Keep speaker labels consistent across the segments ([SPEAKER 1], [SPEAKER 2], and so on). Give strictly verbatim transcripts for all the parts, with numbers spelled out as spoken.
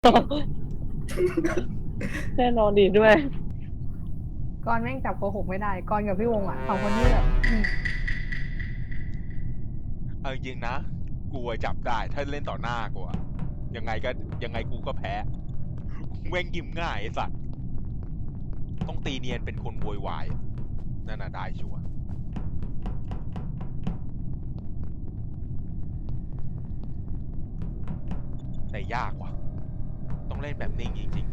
[SPEAKER 1] แน่นอนดีด้วย
[SPEAKER 2] กอนแม่งจับโกหกไม่ได้กอนกับพี่วงอ่ะสองคนนี้แบบ
[SPEAKER 3] เอาจริงๆนะกูอะจับได้ถ้าเล่นต่อหน้ากูอะยังไงก็ยังไงกูก็แพ้แม่งยิ้มง่ายไอ้สัตว์ต้องตีเนียนเป็นคนโวยวายนั่นน่ะได้ชัวร์แต่ยากว่ะต้องเล่นแบบนิ่งจริง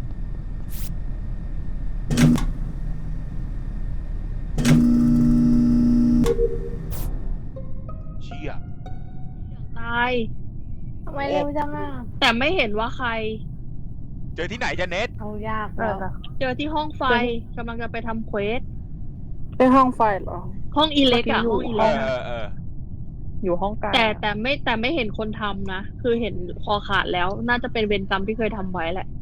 [SPEAKER 3] ๆเชี่ย
[SPEAKER 4] ตาย
[SPEAKER 2] ทำไมเร็วจังอ่ะ
[SPEAKER 4] แต่ไม่เห็นว่าใคร
[SPEAKER 3] เจอที่ไหนจะเน็ต
[SPEAKER 2] เอายากแล้ว
[SPEAKER 4] เจอที่ห้องไฟกำลังจะไปทำเควส
[SPEAKER 1] เป็นห้องไฟเหรอ
[SPEAKER 4] ห้องอีเล็กอะห้องอี
[SPEAKER 3] เอ
[SPEAKER 4] เล็ก
[SPEAKER 3] อเอ
[SPEAKER 4] อะ
[SPEAKER 3] อเออ
[SPEAKER 1] อยู่ห้องกลาง
[SPEAKER 4] แต่แต่ไม่แต่ไม่เห็นคนทำนะ คือเห็นคอขาดแล้ว น่าจะเป็นเวรกรรมที่เคยทำไว้แหละ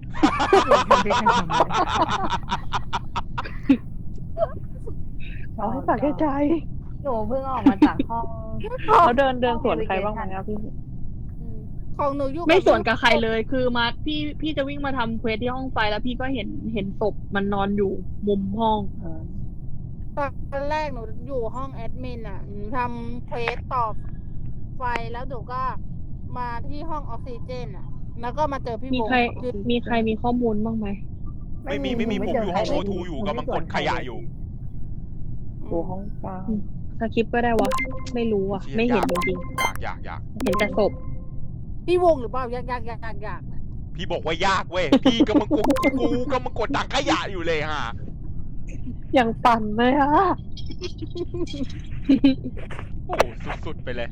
[SPEAKER 1] เอาให้ปากใจ
[SPEAKER 2] หนูเพิ่งออกมาจากห้อง
[SPEAKER 1] เขาเดินเดินสวนใครบ้างไหมครับพี่
[SPEAKER 5] ของหนูอยู่
[SPEAKER 4] ไม่สวนกับใครเลย คือมาพี่พี่จะวิ่งมาทำเควสที่ห้องไฟแล้วพี่ก็เห็นเห็นศพมันนอนอยู่มุมห้อง
[SPEAKER 5] ตอนแรกหนูอยู่ห้องแอดมินอ่ะหนูทำเควสต่อไฟแล้วหนูก็มาที่ห้องออกซิเจนอ่ะ แล้วก็มาเจอพี่
[SPEAKER 4] มี
[SPEAKER 5] วง
[SPEAKER 4] ใคร
[SPEAKER 5] คือ
[SPEAKER 4] มีใครมีข้อมูลบ้างไหม
[SPEAKER 3] ไม่มีไม่มีผมอยู่ห้องโอทูอยู่กำลังกดขยะอยู่
[SPEAKER 1] อยู่ห้องกลาง
[SPEAKER 4] สคริปต์ก็ได้วะ ไม่รู้อ่ะ ไม่เห็นจริง
[SPEAKER 3] อยากอยากอยาก
[SPEAKER 4] ๆ เห็นแต่ศพ
[SPEAKER 5] พี่วงหรือเปล่ายากยากยากยากยาก
[SPEAKER 3] พี่บอกว่ายากเว้ย พี่ก็มึงกูกูก็มึงกดถังขยะอยู่เลยฮะ
[SPEAKER 1] ยังปั่นเลยอะ
[SPEAKER 3] โอ้สุดๆไปเลย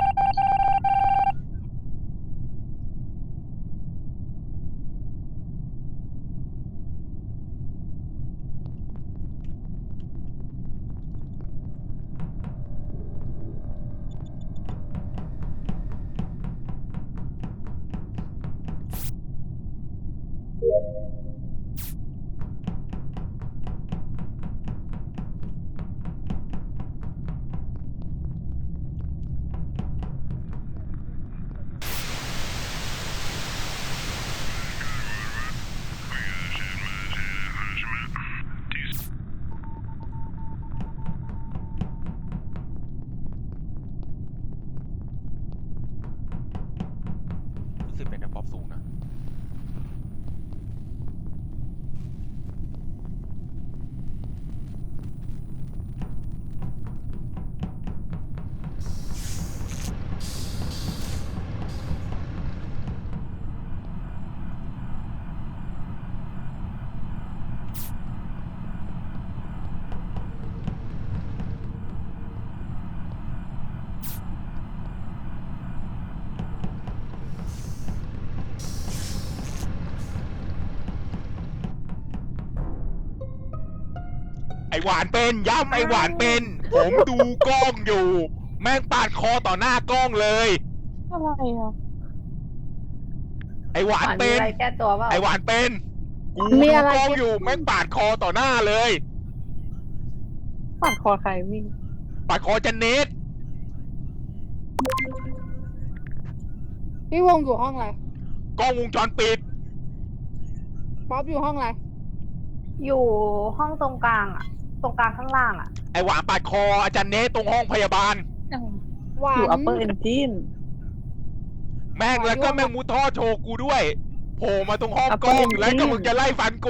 [SPEAKER 3] รู้สึกเป็นน้ำป๊อปสูงนะ ไอหวานเป็นย้ำไอหวานเป็น ผมดูกล้องอยู่ แม่งปาดคอต่อหน้ากล้องเลย
[SPEAKER 1] อะไรอ่ะ
[SPEAKER 3] ไอหวาน
[SPEAKER 2] มี
[SPEAKER 3] เป็น
[SPEAKER 2] อะไรแก้ตัวเปล่า
[SPEAKER 3] ไอหวานเป็น กูดูกล้องอยู่แม่งปาดคอต่อหน้าเลย
[SPEAKER 1] ปั่นคอใครวิ่ง
[SPEAKER 3] ปาดคอจันเน็ต
[SPEAKER 5] พี่วงอยู่ห้องอะไร
[SPEAKER 3] กล้องวงจรปิด
[SPEAKER 5] ป๊อปอยู่ห้องอะไร
[SPEAKER 2] อยู่ห้องตรงกลางอ่ะ ตรงกลางข้างล่างอ่ะ
[SPEAKER 3] ไอหวานปาดคออาจารย์เนตตรงห้องพยาบาล
[SPEAKER 5] หวา
[SPEAKER 1] อยู่
[SPEAKER 5] น
[SPEAKER 1] upper engine
[SPEAKER 3] แม่งแล้วก็แม่งมุดท่อโชว์กูด้วยโผล่มาตรงห้อง
[SPEAKER 1] Upper
[SPEAKER 3] กล้อง
[SPEAKER 1] engine
[SPEAKER 3] แล้วก็มึงจะไล่ฟันกู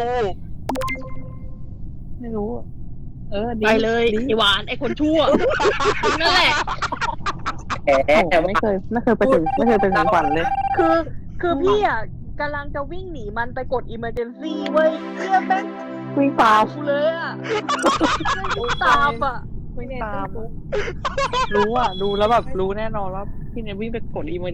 [SPEAKER 1] ไม่รู้อะเออดี
[SPEAKER 4] ไปเลย
[SPEAKER 1] ดี
[SPEAKER 4] ไอหวานไอคนชั่วนั่นแหละ
[SPEAKER 1] โอ้โหไม่เคย ไม่เคยไปถึง ไม่เคยไปถึงฝันเลย
[SPEAKER 4] คือคือพี่อ่ะกำลังจะวิ่งหนีมันไปกด emergency เว้ยเพื่อแม่ง
[SPEAKER 1] วิ่งตาม
[SPEAKER 4] กูเลยอ่ะวิ่งตามอ่ะ
[SPEAKER 1] วิ่งตาม รู้อ่ะ ดูแล้วแบบรู้แน่นอนว่าพี่เนี่ยวิ่งไปกดอีเม